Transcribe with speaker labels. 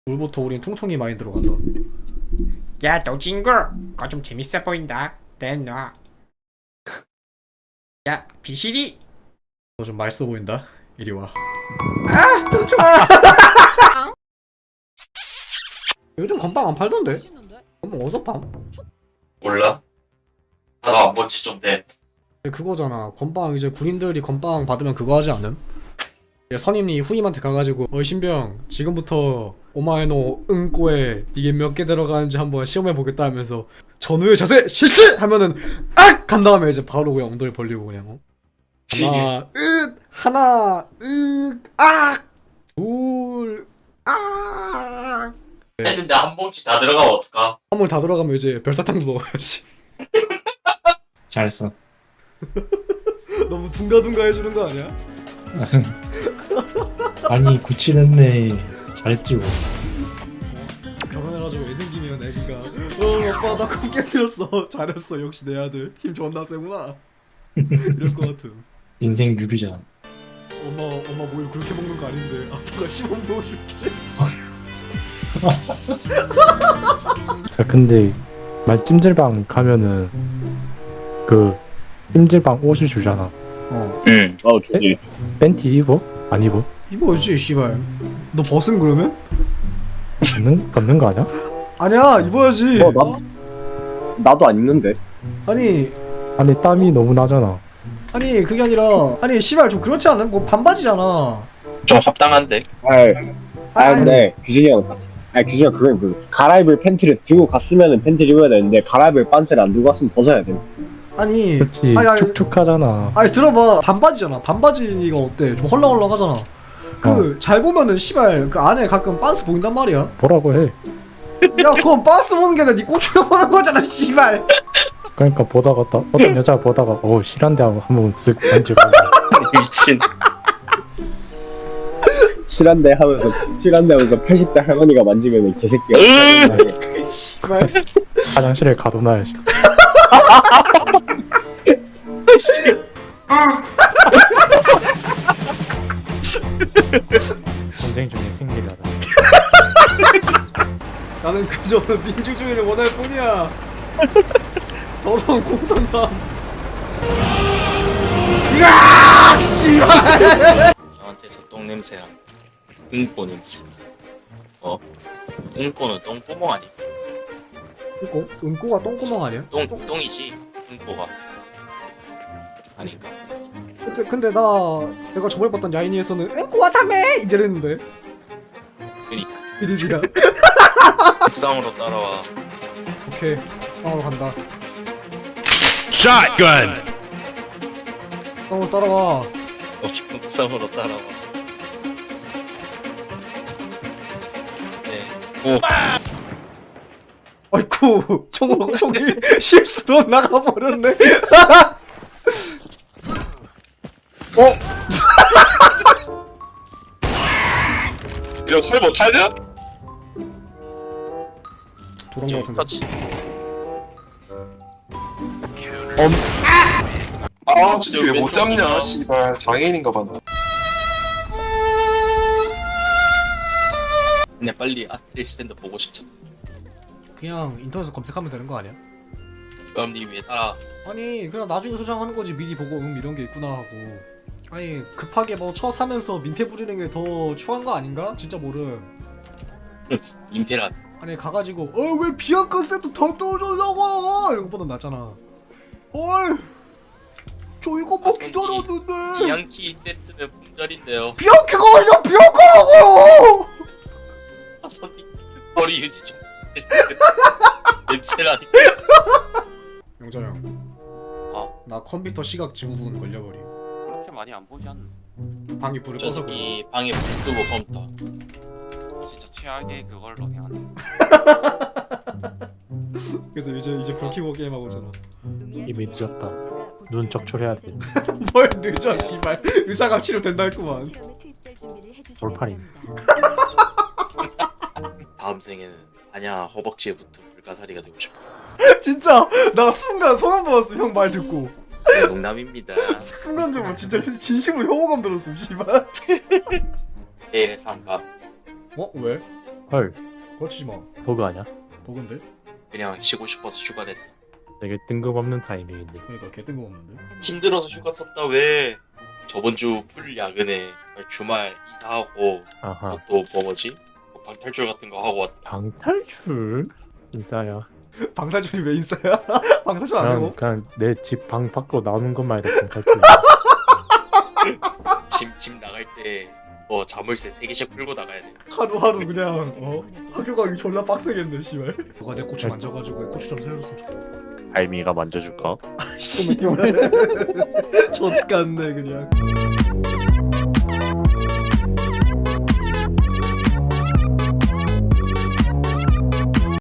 Speaker 1: 물부터 우린 통통이 많이 들어간다.
Speaker 2: 야, 너 친구, 그거 좀 재밌어 보인다. 내놔. 야, 비실이.
Speaker 1: 너 좀 맛있어 보인다. 이리 와. 요즘 건빵 안 팔던데? 건빵 어디서 팜?
Speaker 3: 몰라? 나도 안 본지 좀 돼.
Speaker 1: 그거잖아. 건빵 이제 군인들이 건빵 받으면 그거 하지 않음? 이제 선임이 후임한테 가가지고 어이 신병 지금부터 오마에노 응꼬에 이게 몇 개 들어가는지 한번 시험해보겠다 하면서 전후의 자세 실시! 하면은 악! 간 다음에 이제 바로 그냥 엉덩이 벌리고 그냥 하나 악! 둘 악!
Speaker 3: 했는데 한 봉지 다 들어가면 어떡하?
Speaker 1: 한물 다 들어가면 이제 별사탕도 넣어야지.
Speaker 4: 잘했어.
Speaker 1: 너무 둥가둥가 해주는 거 아니야?
Speaker 4: 아니 97했네. 잘했지 뭐.
Speaker 1: 결혼해가지고 애 생기면 애기가 오빠 나 콩 깨뜨렸어. 잘했어. 역시 내 아들 힘 존나 세구나. 이럴 것 같음.
Speaker 4: 인생 유비잖아.
Speaker 1: 엄마 뭘 그렇게 먹는 거 아닌데 아빠가 시범 넣어줄게.
Speaker 5: 야, 근데 말 찜질방 가면은 그 찜질방 옷을 주잖아.
Speaker 3: 응. 주지.
Speaker 5: 팬티 입어? 안 입어?
Speaker 1: 입어야지 씨발. 너 벗은 그러면?
Speaker 5: 벗는 거 아니야?
Speaker 1: 아니야 입어야지.
Speaker 6: 나도 안 입는데.
Speaker 1: 아니
Speaker 5: 땀이 너무 나잖아.
Speaker 1: 그게 아니라 아니 씨발 좀 그렇지 않아? 뭐 반바지잖아.
Speaker 3: 좀 합당한데.
Speaker 6: 근데 규진이 형, 규진이 형 그건 그 갈아입을 팬티를 들고 갔으면은 팬티를 입어야 되는데 갈아입을 빤스를 안 들고 갔으면 벗어야 돼.
Speaker 1: 아니
Speaker 5: 그렇지.
Speaker 1: 아니,
Speaker 5: 축축하잖아.
Speaker 1: 아니 들어봐. 반바지잖아. 반바지가 어때? 좀 헐렁헐렁하잖아. 잘 보면은 씨발 그 안에 가끔 빤스 보인단 말이야.
Speaker 5: 뭐라고 해.
Speaker 1: 야 그건 빤스 보는 게 아니라 네 꼬추려 보는 거잖아 씨발.
Speaker 5: 그러니까 보다가 어떤 여자 보다가 실한데 하고 한번 쓱 만지고.
Speaker 3: 미친.
Speaker 6: 실한데 하면서 80대 할머니가 만지면 개새끼야.
Speaker 1: 씨발.
Speaker 5: 화장실에 가둬놔야지. 전쟁 중에 생리하다.
Speaker 1: 나는 그저 민주주의를 원할 뿐이야. 더러운 공산당. 이야 씨발.
Speaker 3: 저한테서 똥 냄새랑 응꼬 냄새. 응꼬는 똥구멍 아니?
Speaker 1: 은꼬가 똥구멍 아니야?
Speaker 3: 똥이지. 응꼬가. 아닌가?
Speaker 1: 근데 내가 저번에 봤던 야인이에서는 은꼬와 다메 이랬는데.
Speaker 3: 그니까.
Speaker 1: 이리지야.
Speaker 3: 국상으로 따라와.
Speaker 1: 오케이 땅으로 간다.
Speaker 7: Shotgun!
Speaker 1: 땅으로 따라와.
Speaker 3: 국상으로 따라와. 네. 오.
Speaker 1: 아이쿠 총이 실수로 나가버렸네.
Speaker 3: 이거 설 못하냐?
Speaker 1: 도란 거 같은데.
Speaker 3: 그렇지.
Speaker 8: 아 진짜 왜 못 잡냐 씨발 장애인인가 봐 나.
Speaker 3: 그냥 빨리 아트리 스탠드 보고 싶잖아.
Speaker 1: 그냥 인터넷에서 검색하면 되는 거 아니야?
Speaker 3: 그럼 니 왜 살아?
Speaker 1: 아니 그냥 나중에 소장하는 거지. 미리 보고 이런 게 있구나 하고. 아니 급하게 뭐 쳐 사면서 민폐 부리는 게 더 추한 거 아닌가? 진짜 모름.
Speaker 3: 임페라.
Speaker 1: 아니 가가지고 왜 비앙카 세트 더 떠줘라고 이런 거보다 낫잖아. 저 이거 뭐 기다렸는데.
Speaker 3: 기양키 세트는 품절인데요.
Speaker 1: 비앙카가 아니라 비앙카라고.
Speaker 3: 손님 머리 유지 좀. 냄새라니.
Speaker 1: 영자 형. 나 컴퓨터 시각 증후군 걸려버림.
Speaker 9: 그렇게 많이 안 보지 않나?
Speaker 1: 방이 불을
Speaker 3: 저
Speaker 1: 꺼서 그래.
Speaker 3: 새끼 방에 불 끄고 컴퓨터.
Speaker 9: 진짜 최악의 그걸로 그냥
Speaker 1: 그래서 이제 불 켜고 게임하고 있잖아.
Speaker 5: 이미 늦었다. 눈 적출해야 돼.
Speaker 1: 뭘 늦어 씨발. 의사가 치료된다 했구만.
Speaker 5: 돌팔이.
Speaker 3: 다음 생에는 아냐 허벅지에 붙은 불가사리가 되고 싶어.
Speaker 1: 진짜 나 순간 소름 돋았어. 형 말 듣고.
Speaker 3: 농담입니다.
Speaker 1: 순간적으로 진짜 진심으로 혐오감 들었음 씨발.
Speaker 3: 내일 해서 한밤
Speaker 1: 왜?
Speaker 5: 헐
Speaker 1: 거치지 마.
Speaker 5: 버그 아냐?
Speaker 1: 버그인데?
Speaker 3: 그냥 쉬고 싶어서 휴가 냈다.
Speaker 5: 되게 뜬금없는 타이밍인데.
Speaker 1: 그러니까 개 뜬금없는데.
Speaker 3: 힘들어서 휴가 썼다 왜? 저번 주 풀 야근에 주말 이사하고
Speaker 5: 아하.
Speaker 3: 또 뭐지? 뭐 방탈출 같은 거 하고 왔다.
Speaker 5: 방탈출? 진짜야.
Speaker 1: 방탈출이 왜 인싸야? 방탈출 안 하고?
Speaker 5: 그냥 내 집 방 밖으로 나오는 것만 해도 방탈출.
Speaker 3: 집 나갈 때 뭐 자물쇠 3개씩 풀고 나가야 돼.
Speaker 1: 하루하루 그냥 학교 가기 졸라 빡세겠네 씨발. 누가 내 고추 만져가지고 고추 좀 살려줬으면 좋겠다.
Speaker 7: 알미가 만져줄까?
Speaker 1: 씨발. 젖같네 그냥.